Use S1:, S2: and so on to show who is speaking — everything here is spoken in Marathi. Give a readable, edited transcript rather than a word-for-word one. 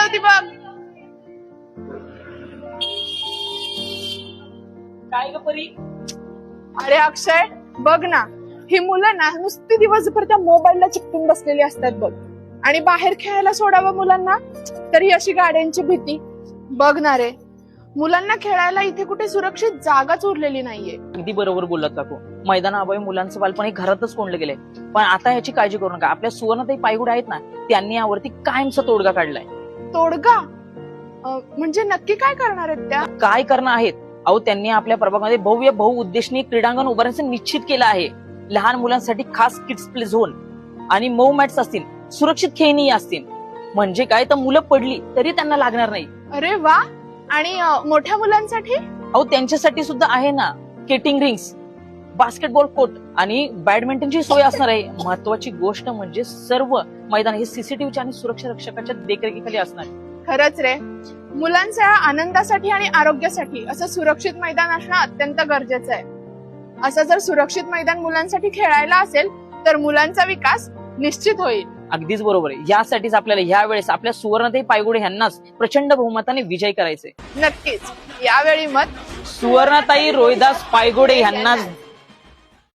S1: होती बघ.
S2: काय ग परी?
S1: अरे अक्षय बघ ना, ही मुलं ना नुसती दिवसभर त्या मोबाईलला चिकटून बसलेली असतात बघ. आणि बाहेर खेळायला सोडावं मुलांना तरी अशी गाड्यांची भीती. बघ ना रे, मुलांना खेळायला इथे कुठे सुरक्षित जागाच उरलेली नाहीये.
S2: अगदी बरोबर बोललात काकू. मैदानाअभावी मुलांचं बालपण हे घरातच कोंडलं गेलंय. पण आता याची काळजी करू नका. आपल्या सुवर्णताई पायगुडे आहेत ना, त्यांनी यावरती कायमचा तोडगा काढलाय.
S1: तोडगा म्हणजे नक्की काय करणार आहेत त्या?
S2: काय करणं आहेत? अहो, त्यांनी आपल्या प्रभागामध्ये भव्य बहुउद्देशीय क्रीडांगण उभारण्याचं निश्चित केलं आहे. लहान मुलांसाठी खास किड्स प्ले झोन आणि मऊ मॅट्स असतील, सुरक्षित खेळणी असतील. म्हणजे काय, तर मुलं पडली तरी त्यांना लागणार नाही.
S1: अरे वा. आणि मोठ्या मुलांसाठी?
S2: अहो, त्यांच्यासाठी सुद्धा आहे ना, स्केटिंग रिंग्स, बास्केटबॉल कोर्ट आणि बॅडमिंटनची सोय असणार आहे. महत्वाची गोष्ट म्हणजे सर्व मैदान हे सीसीटीव्हीच्या आणि सुरक्षा रक्षकाच्या देखरेखीखाली असणार आहे.
S1: खरंच रे, मुलांच्या आनंदासाठी आणि आरोग्यासाठी असं सुरक्षित मैदान असणं अत्यंत गरजेचं आहे. असं जर सुरक्षित मैदान मुलांसाठी खेळायला असेल तर मुलांचा विकास निश्चित होईल.
S2: अगदीच बरोबर आहे. यासाठीच आपल्याला ह्या वेळेस आपल्या सुवर्णताई पायगुडे यांनाच प्रचंड बहुमताने विजय करायचे.
S1: नक्कीच यावेळी मत
S2: सुवर्णताई रोहिदास पायगुडे यांनाच